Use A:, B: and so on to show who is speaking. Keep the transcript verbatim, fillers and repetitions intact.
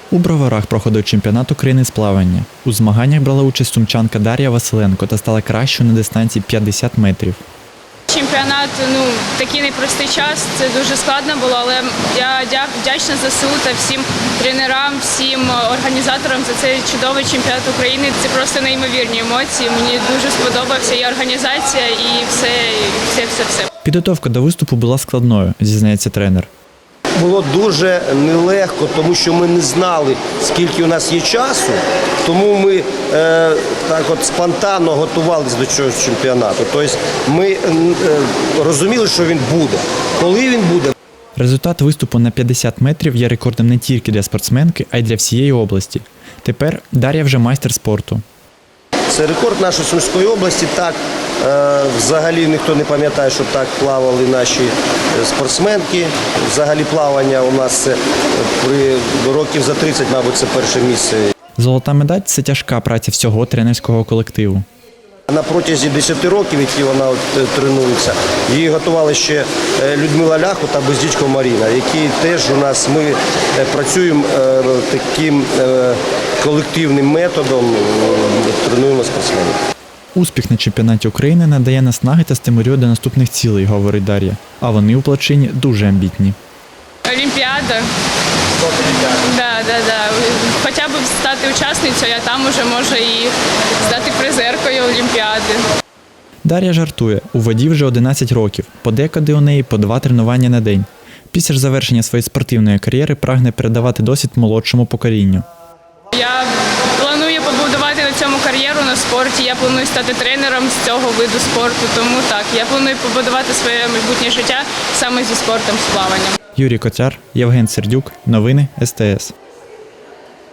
A: У Броварах проходив чемпіонат України з плавання. У змаганнях брала участь сумчанка Дар'я Василенко та стала кращою на дистанції п'ятдесят метрів.
B: Чемпіонат, ну, такий непростий час, це дуже складно було, але я вдячна ЗСУ та всім тренерам, всім організаторам за цей чудовий чемпіонат України. Це просто неймовірні емоції, мені дуже сподобався і організація, і все, і все, все, все.
A: Підготовка до виступу була складною, зізнається тренер.
C: Було дуже нелегко, тому що ми не знали, скільки у нас є часу, тому ми е, так от спонтанно готувалися до цього чемпіонату. Тобто ми е, розуміли, що він буде. Коли він буде?
A: Результат виступу на п'ятдесят метрів є рекордом не тільки для спортсменки, а й для всієї області. Тепер Дар'я вже майстер спорту.
C: Це рекорд нашої Сумської області. Так, е, взагалі ніхто не пам'ятає, що так плавали наші спортсменки. Взагалі плавання у нас це при років за тридцять, мабуть, це перше місце.
A: Золота медаль – це тяжка праця всього тренерського колективу.
C: На протязі десяти років, які вона от, тренується, її готували ще Людмила Ляху та Бездічко Маріна, які теж у нас, ми працюємо е, таким е, колективним методом, е, тренуємо спортсменів.
A: Успіх на чемпіонаті України надає наснаги та стимулює до наступних цілей, говорить Дар'я. А вони у плавчині дуже амбітні.
B: Олімпіада. Да, да, да. Хоча б стати учасницею, а там уже може і стати призеркою Олімпіади.
A: Дар'я жартує, у воді вже одинадцять років, подекуди у неї по два тренування на день. Після ж завершення своєї спортивної кар'єри прагне передавати досвід молодшому поколінню.
B: Я планую побудувати на цьому кар'єру на спорті, я планую стати тренером з цього виду спорту, тому так, я планую побудувати своє майбутнє життя саме зі спортом, з плаванням.
A: Юрій Котяр, Євген Сердюк. Новини ес те ес.